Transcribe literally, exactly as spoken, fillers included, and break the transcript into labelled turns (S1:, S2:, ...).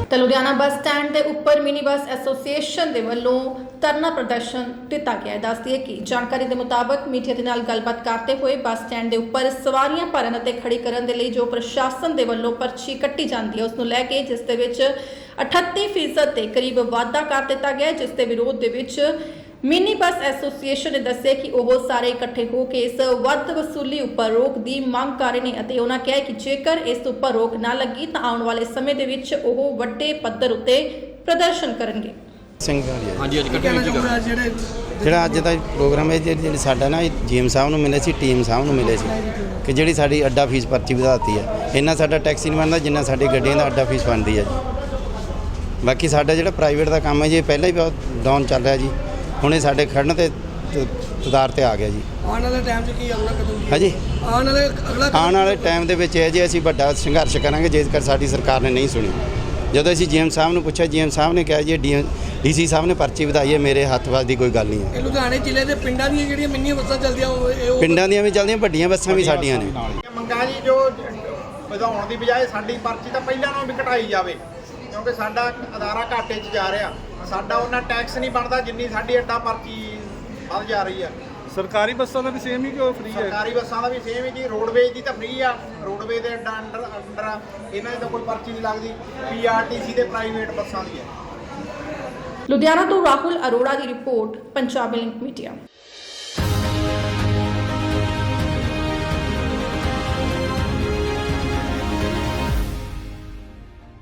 S1: ਤਾਂ Ludhiana bus stand ਦੇ ਉੱਪਰ ਮਿਨੀ ਬੱਸ ਐਸੋਸੀਏਸ਼ਨ ਦੇ ਵੱਲੋਂ ਧਰਨਾ ਪ੍ਰਦਰਸ਼ਨ ਦਿੱਤਾ ਗਿਆ। ਦੱਸਦੀ ਹੈ ਕਿ ਜਾਣਕਾਰੀ ਦੇ ਮੁਤਾਬਕ ਮੀਡੀਆ ਦੇ ਨਾਲ ਗੱਲਬਾਤ ਕਰਦੇ ਹੋਏ ਬੱਸ ਸਟੈਂਡ ਦੇ ਉੱਪਰ ਸਵਾਰੀਆਂ ਭਰਨ ਅਤੇ ਖੜੀ ਕਰਨ ਦੇ ਲਈ ਜੋ ਪ੍ਰਸ਼ਾਸਨ ਦੇ ਵੱਲੋਂ ਪਰਚੀ ਕੱਟੀ ਜਾਂਦੀ ਹੈ ਉਸ ਨੂੰ ਲੈ ਕੇ, ਜਿਸ ਦੇ ਵਿੱਚ ਅਠੱਤੀ ਫੀਸਦ ਦੇ ਕਰੀਬ ਵਾਧਾ ਕਰ ਦਿੱਤਾ ਗਿਆ, ਜਿਸ ਦੇ ਵਿਰੋਧ ਦੇ ਵਿੱਚ ਮਿਨੀ ਬੱਸ ਐਸੋਸੀਏਸ਼ਨ ਨੇ ਦੱਸਿਆ ਕਿ ਉਹ ਸਾਰੇ ਇਕੱਠੇ ਹੋ ਕੇ ਇਸ ਵੱਧ ਵਸੂਲੀ ਉੱਪਰ ਰੋਕ ਦੀ ਮੰਗ ਕਰ ਰਹੇ ਨੇ ਅਤੇ ਉਹਨਾਂ ਕਿਹਾ ਕਿ ਜੇਕਰ ਇਸ ਉੱਪਰ ਰੋਕ ਨਾ ਲੱਗੀ ਤਾਂ ਆਉਣ ਵਾਲੇ ਸਮੇਂ ਦੇ ਵਿੱਚ ਉਹ ਵੱਡੇ ਪੱਧਰ ਉੱਤੇ ਪ੍ਰਦਰਸ਼ਨ ਕਰਨਗੇ।
S2: ਸਿੰਘ
S3: ਹਾਂਜੀ ਅੱਜ ਕੱਟੇ ਜਿਹੜੇ
S2: ਜਿਹੜਾ ਅੱਜ ਦਾ ਪ੍ਰੋਗਰਾਮ ਹੈ, ਜਿਹੜੀ ਸਾਡਾ ਨਾ ਜੀਐਮ ਸਾਹਿਬ ਨੂੰ ਮਿਲੇ ਸੀ, ਟੀਮ ਸਾਹਿਬ ਨੂੰ ਮਿਲੇ ਸੀ ਕਿ ਜਿਹੜੀ ਸਾਡੀ ਅੱਡਾ ਫੀਸ ਪਰਚੀ ਵਧਾਤੀ ਹੈ। ਇੰਨਾ ਸਾਡਾ ਟੈਕਸੀ ਨਹੀਂ ਬਣਦਾ ਜਿੰਨਾ ਸਾਡੀ ਗੱਡੀਆਂ ਦਾ ਅੱਡਾ ਫੀਸ ਬਣਦੀ ਹੈ ਜੀ। ਬਾਕੀ ਸਾਡਾ ਜਿਹੜਾ ਪ੍ਰਾਈਵੇਟ ਦਾ ਕੰਮ ਹੈ ਜੀ, ਪਹਿਲਾਂ ਹੀ ਬਹੁਤ ਡਾਊਨ ਚੱਲ ਰਿਹਾ ਜੀ। ਹੁਣ ਇਹ ਸਾਡੇ ਖੜਨ ਤੇ ਤਦਾਰ ਤੇ ਆ ਗਿਆ ਜੀ।
S4: ਆਉਣ ਵਾਲੇ ਟਾਈਮ 'ਚ ਕੀ ਅਗਲਾ ਕਦਮ ਕੀ
S2: ਹਾਂਜੀ
S4: ਆਉਣ ਵਾਲੇ ਅਗਲਾ
S2: ਆਉਣ ਵਾਲੇ ਟਾਈਮ ਦੇ ਵਿੱਚ ਇਹ ਜੀ ਅਸੀਂ ਵੱਡਾ ਸੰਘਰਸ਼ ਕਰਾਂਗੇ ਜੇਕਰ ਸਾਡੀ ਸਰਕਾਰ ਨੇ ਨਹੀਂ ਸੁਣੀ। ਜਦੋਂ ਅਸੀਂ ਜੀਐਮ ਸਾਹਿਬ ਨੂੰ ਪੁੱਛਿਆ, ਜੀਐਮ ਸਾਹਿਬ ਨੇ ਕਿਹਾ ਜੀ ਡੀ ਡੀਸੀ ਸਾਹਿਬ ਨੇ ਪਰਚੀ ਵਧਾਈ ਹੈ, ਮੇਰੇ ਹੱਥ ਵੱਸ ਦੀ ਕੋਈ ਗੱਲ ਨਹੀਂ ਹੈ।
S4: ਇਹ ਲੁਧਿਆਣੇ ਜ਼ਿਲ੍ਹੇ ਦੇ ਪਿੰਡਾਂ ਦੀਆਂ ਜਿਹੜੀਆਂ ਮਿੰਨੀਆਂ ਬੱਸਾਂ ਚੱਲਦੀਆਂ ਉਹ ਉਹ
S2: ਪਿੰਡਾਂ ਦੀਆਂ ਵੀ ਚੱਲਦੀਆਂ, ਵੱਡੀਆਂ ਬੱਸਾਂ ਵੀ ਸਾਡੀਆਂ ਨੇ।
S5: ਮੰਗਾਂ ਜੀ ਜੋ ਵਧਾਉਣ ਦੀ ਬਜਾਏ ਸਾਡੀ ਪਰਚੀ ਤਾਂ ਪਹਿਲਾਂ ਨਾਲੋਂ ਵੀ ਘਟਾਈ ਜਾਵੇ, ਕਿਉਂਕਿ ਸਾਡਾ ਅਦਾਰਾ ਘਾਟੇ 'ਚ ਜਾ ਰਿਹਾ। ਸਾਡਾ ਉਹਨਾਂ ਟੈਕਸ ਨਹੀਂ ਬਣਦਾ ਜਿੰਨੀ ਸਾਡੀ ਅੱਡਾ ਪਰਚੀ ਵੱਧ ਜਾ ਰਹੀ ਆ।
S3: ਸਰਕਾਰੀ ਬੱਸਾਂ ਦਾ ਵੀ ਸੇਮ ਹੀ ਕਿ ਉਹ ਫ੍ਰੀ ਹੈ?
S5: ਸਰਕਾਰੀ ਬੱਸਾਂ ਦਾ ਵੀ ਸੇਮ ਹੀ ਜੀ। ਰੋਡਵੇਜ਼ ਦੀ ਤਾਂ ਫ੍ਰੀ ਆ, ਰੋਡਵੇਜ਼ ਦੇ ਅੱਡਾ ਅੰਡਰ ਅੰਡਰ ਆ, ਇਹਨਾਂ ਦੀ ਤਾਂ ਕੋਈ ਪਰਚੀ ਨਹੀਂ ਲੱਗਦੀ। ਪੀਆਰਟੀਸੀ ਦੇ ਪ੍ਰਾਈਵੇਟ ਬੱਸਾਂ ਦੀ ਹੈ।
S1: ਲੁਧਿਆਣਾ ਤੋਂ ਰਾਹੁਲ ਅਰੋੜਾ ਦੀ ਰਿਪੋਰਟ, ਪੰਜਾਬੀ ਲਿੰਕ ਮੀਡੀਆ।